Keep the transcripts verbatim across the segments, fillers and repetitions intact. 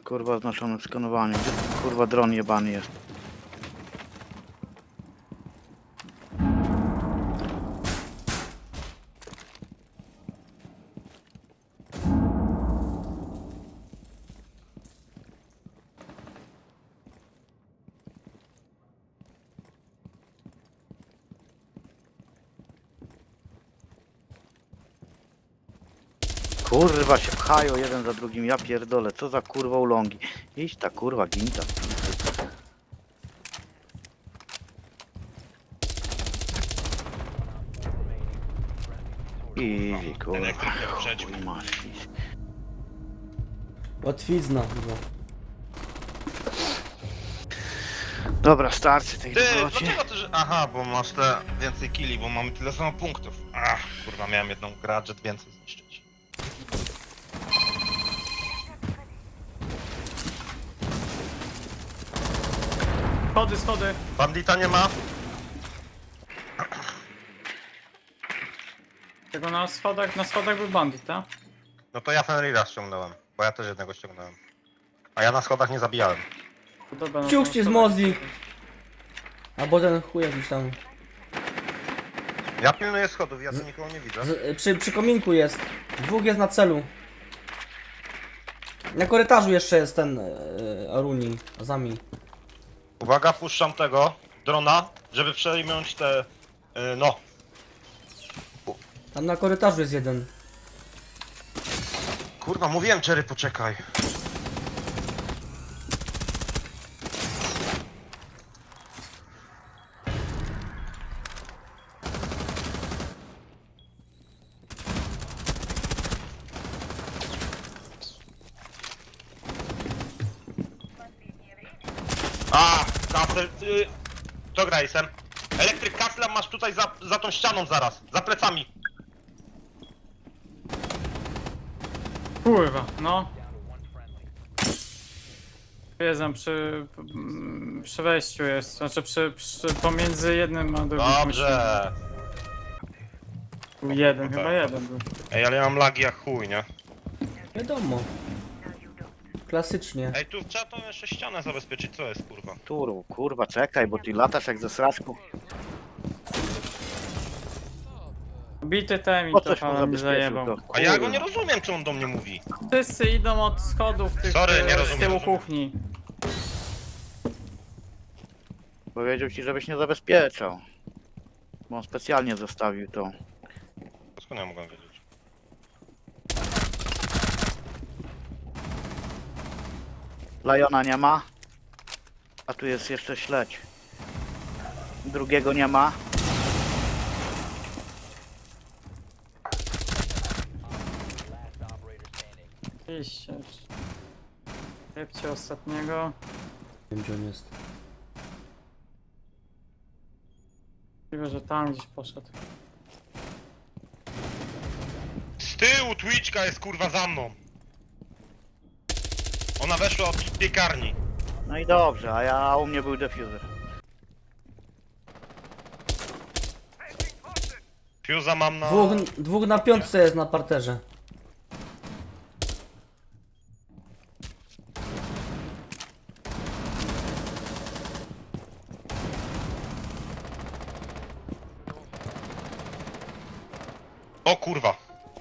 Kurwa oznaczone skanowanie. Gdzie ten kurwa dron jebany jest? Kurwa się pchają jeden za drugim, ja pierdolę, co za kurwa ulągi. Idź ta kurwa ginta. Easy kurwa. Elektryk jak przeciw. Chuj masz. Łatwizna chyba. Dobra, starczy tej Ty, dobroci. dlaczego ty, że... Aha, bo masz te więcej killi, bo mamy tyle samo punktów. Ach, kurwa, miałem jedną gadżet więcej zniszczyć. Schody, schody. Bandita nie ma? Tego na schodach, na schodach był bandit, tak? No to ja Fenrira ściągnąłem, bo ja też jednego ściągnąłem. A ja na schodach nie zabijałem. To dobra, no to Ciuchcie z schodach- Mozi. Albo ten chuj jakiś tam. Ja pilnuję schodów, ja tu nikogo nie widzę. Z, przy, przy kominku jest. Dwóch jest na celu. Na korytarzu jeszcze jest ten e, Aruni. Zami. Uwaga, puszczam tego drona, żeby przejmąć te... Yy, no. Tam na korytarzu jest jeden. Kurwa, mówiłem Cherry, poczekaj. A, Castle, y, to gra jestem. Elektryk Castle masz tutaj za, za tą ścianą zaraz, za plecami. Kurwa, no. Wiedzę, przy, mm, przy wejściu jest, znaczy przy, przy, pomiędzy jednym a drugim. Dobrze. Był jeden, No chyba tak. jeden był. Ej, ale ja mam lagi jak chuj, nie? Wiadomo. Klasycznie. Ej, tu trzeba tą jeszcze ścianę zabezpieczyć, co jest kurwa? Turu, kurwa czekaj, bo ty latasz jak ze sraczką. Bity tem i Po to coś mu pan mi zabezpieczył zajebał. to. A ja go nie Kurwa. rozumiem, co on do mnie mówi. Wszyscy idą od schodów tych Sorry, nie e, z rozumiem, tyłu rozumiem. kuchni. Powiedział ci, żebyś nie zabezpieczał. Bo on specjalnie zostawił to. Skąd ja mogłem wiedzieć? Liona nie ma. A tu jest jeszcze śledź. Drugiego nie ma. Iście. Jebcie ostatniego. Nie wiem gdzie on jest. Możliwe, że tam gdzieś poszedł. Z tyłu Twitchka jest kurwa za mną. Ona weszła od piekarni. No i dobrze, a ja a u mnie był defuser. Fuse'a mam na... Dwóch, dwóch na piątce jest na parterze. O kurwa.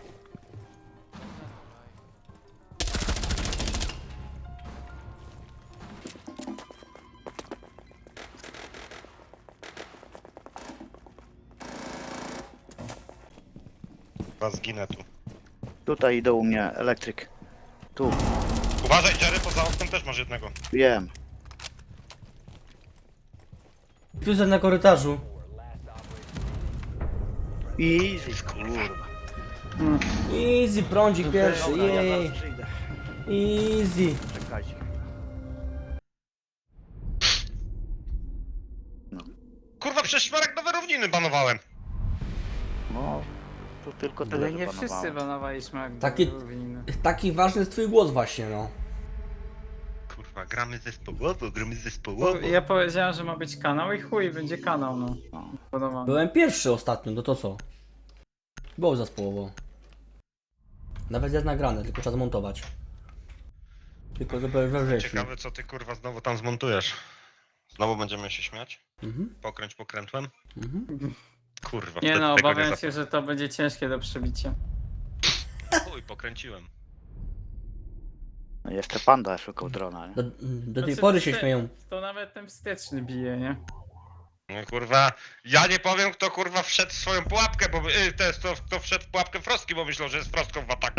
Chyba zginę tu. Tutaj idą u mnie elektryk. Tu, Uważaj Jerry, poza oknem też masz jednego. wiem. Fuser na korytarzu. Easy, kurwa. Easy, prądzik pierwszy, Dobra, ja jej. zaraz przyjdę. Easy. Czekajcie. Kurwa, przez szmarek nowe równiny banowałem. No, tu tylko tyle, Ale że nie panowałem. wszyscy banowaliśmy jak Taki- były winny. Taki ważny jest twój głos właśnie, no. Kurwa, gramy zespołowo, gramy Bo zespołowo. ja powiedziałem, że ma być kanał i chuj, będzie kanał, no. No. Podoba. Byłem pierwszy ostatnio, no to co? Było zespołowo. Nawet jest nagrane, tylko trzeba zmontować. Tylko dopiero we wrześniu. Ciekawe co ty kurwa znowu tam zmontujesz. Znowu będziemy się śmiać? Mhm. Pokręć pokrętłem? Mhm. Kurwa, Nie wtedy no, tego obawiam nie się, że to będzie ciężkie do przebicia. zap... Chuj, pokręciłem. No jeszcze panda szukał drona, nie? Do, do tej Znaczy, pory to się wste- śmieją. To nawet ten wsteczny bije, nie? No kurwa, ja nie powiem kto kurwa wszedł w swoją pułapkę, bo y, to jest to, kto wszedł w pułapkę Frostki, bo myślał, że jest Frostką w ataku.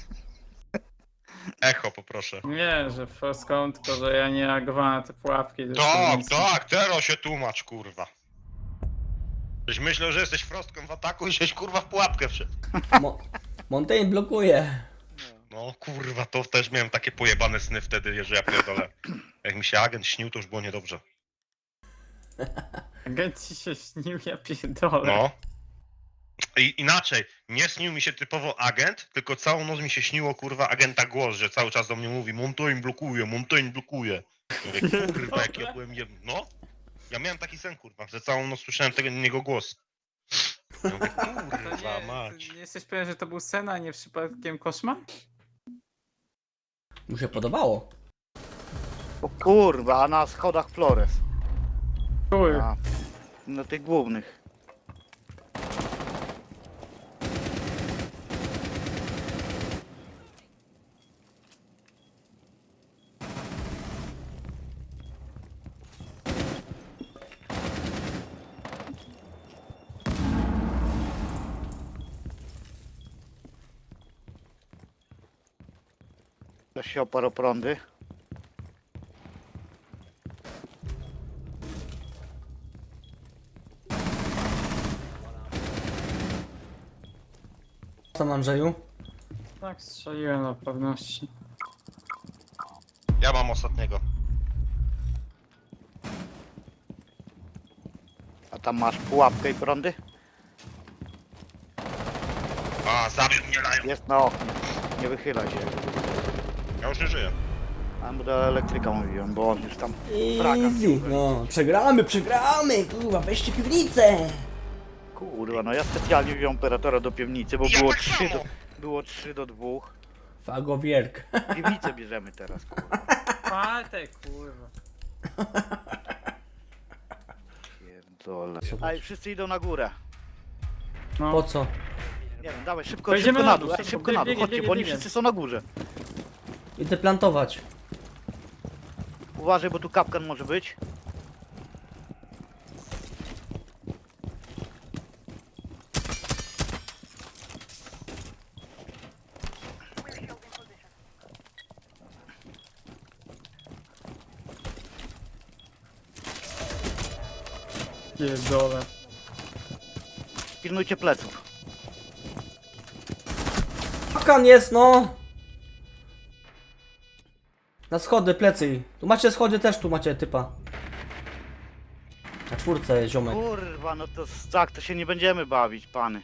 Echo poproszę. Nie, że Frostcon, tylko że ja nie reagowałem na te pułapki. to Tak, jest tak, teraz się tłumacz kurwa. Żeś myślał, że jesteś Frostką w ataku i żeś kurwa w pułapkę wszedł. Mo Montaigne blokuje. No kurwa, to też miałem takie pojebane sny wtedy, że ja pierdolę. Jak mi się agent śnił, to już było niedobrze. Agent ci się śnił, ja pierdolę. No. I inaczej, nie śnił mi się typowo agent, tylko całą noc mi się śniło kurwa agenta głos, że cały czas do mnie mówi Montaigne blokuje, Montaigne blokuje. Ja mówię, kurwa jak ja byłem jeb... No. Ja miałem taki sen kurwa, że całą noc słyszałem tego niego głos. Ja mówię, To kurwa nie, mać. ty nie jesteś pewien, że to był sen, a nie przypadkiem koszmar? Mu się podobało. O kurwa, a na schodach Flores. Chuj. Na, na tych głównych. Ktoś się oparł o prądy. Co tam, Andrzeju? Tak, strzeliłem na pewności. Ja mam ostatniego. A tam masz pułapkę i prądy? A, zabił mnie Lion. Jest na oknie. Nie wychylaj się. Ja już nie żyję. A mu do elektryka mówiłem, bo on już tam fraga. Easy. No, przegramy, przegramy. Kurwa, weźcie piwnicę. Kurwa, no ja specjalnie wziąłem operatora do piwnicy, bo Ja było tak trzy samo. do, było trzy do dwóch. Fagowierk. Piwnicę bierzemy teraz, kurwa. Patek, kurwa. Pierdolę. A i wszyscy idą na górę. No. Po co? Nie wiem, dawaj szybko, Wejdziemy szybko na na dół, dół, ej, szybko, szybko na dół, biegnie, chodźcie, biegnie, bo oni biegnie. wszyscy są na górze. Idę plantować. Uważaj, bo tu kapkan może być. Pierdolę. Pilnujcie pleców. Pakan jest, no. Na schody, plecy. Tu macie schody też, tu macie typa. Na czwórce, ziomek. Kurwa, no to s- tak, to się nie będziemy bawić, pany.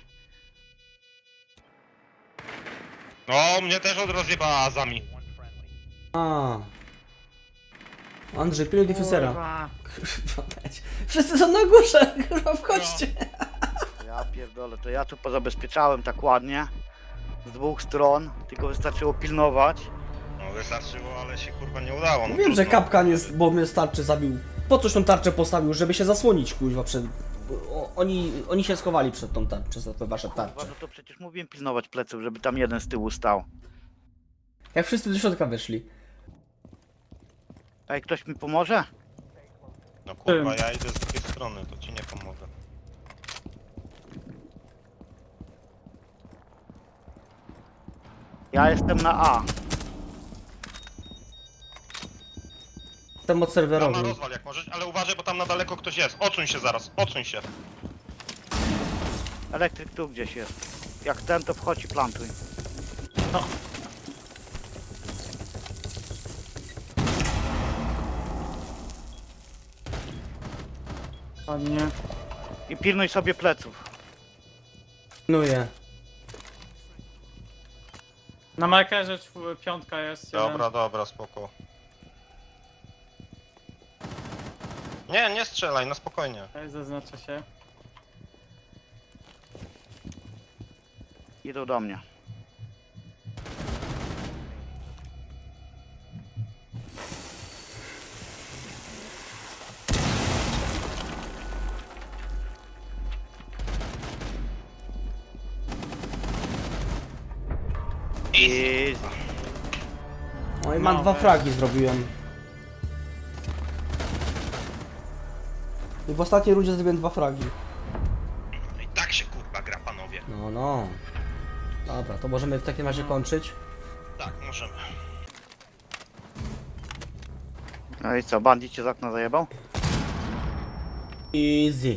No, mnie też od rozjebała Azami. A. Andrzej, pilnuj difusera. Kurwa. Kurwa, mać. Wszyscy są na górze, kurwa, wchodźcie. Ja pierdolę, to ja tu pozabezpieczałem tak ładnie. Z dwóch stron, tylko wystarczyło pilnować. No wystarczyło, ale się kurwa nie udało. No, Wiem, że trudno. kapkan jest, bo mnie z tarczy zabił. Po coś tą tarczę postawił, żeby się zasłonić, kurwa, przed... bo o- Oni, oni się schowali przed tą tarczą, przez te wasze Kurwa, tarcze. no to przecież mówiłem pilnować pleców, żeby tam jeden z tyłu stał. Jak wszyscy do środka weszli. Ej, ktoś mi pomoże? No kurwa, ja idę z drugiej strony, to ci nie pomogę. Ja jestem na A. Jestem od Rama serwerowy. rozwal jak możesz, ale uważaj, bo tam na daleko ktoś jest. Odsuń się zaraz, odsuń się. Elektryk tu gdzieś jest. Jak ten, to wchodź i plantuj. Ładnie. I pilnuj sobie pleców. Pilnuję. Na markerze czw- piątka jest. jeden. Dobra, dobra, spoko. Nie, nie strzelaj, no spokojnie. Tutaj zaznacza się. Idą do mnie. I... No i mam No, dwa weź. fragi zrobiłem. I w ostatniej rundzie zrobiłem dwa fragi. No i tak się kurwa gra, panowie. No, no. Dobra, to możemy w takim razie kończyć. Tak, możemy. No i co, bandit cię z okna zajebał? Easy.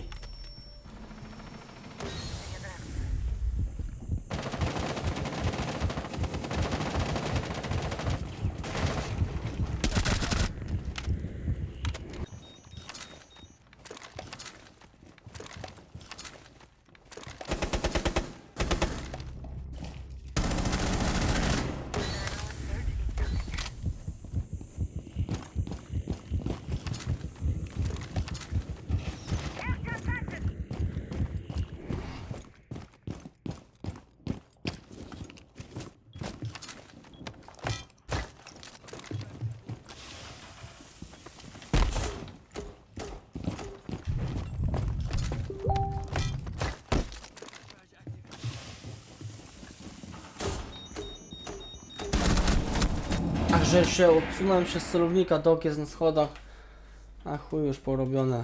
Ach, że się odsunąłem się z celownika, dok jest na schodach. A chuj, już porobione.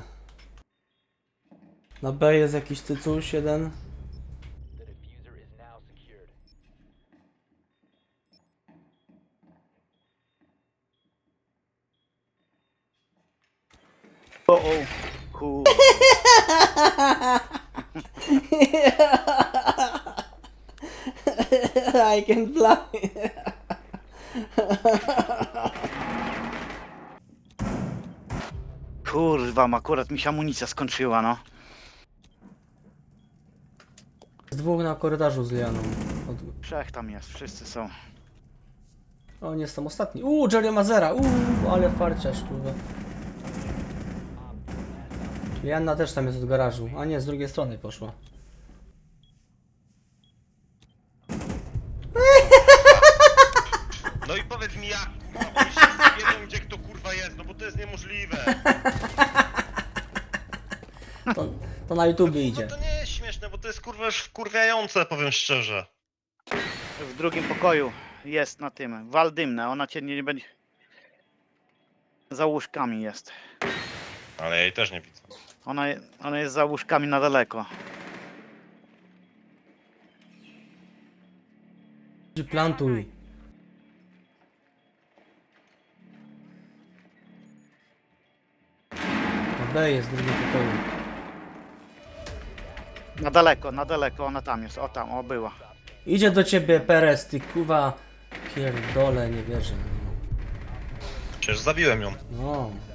Na B jest jakiś cycuś jeden. O, o, kur... I can fly. Kurwa, akurat mi się amunicja skończyła, no. Z dwóch na korytarzu z Lianą. Od... Trzech tam jest, wszyscy są. O, nie jestem ostatni. Uuu, Jerry Mazera. Uuu, ale farciarz, kurwa. Lianna też tam jest od garażu. A nie, z drugiej strony poszła. No i powiedz mi jak, kurwa, oni wszyscy wiedzą gdzie kto kurwa jest, no bo to jest niemożliwe. To, to na YouTubie idzie. No to nie jest śmieszne, bo to jest kurwa już wkurwiające, powiem szczerze. W drugim pokoju jest na tym, wal dymne, ona cię nie, nie będzie... Za łóżkami jest. Ale ja jej też nie widzę. Ona, je- ona jest za łóżkami na daleko. Plantuj. Na B jest w drugim pokoju. Na daleko, na daleko, ona tam jest, o tam, o była. Idzie do ciebie Perez, ty kuwa. Pierdole, nie wierzę. Przecież zabiłem ją. No.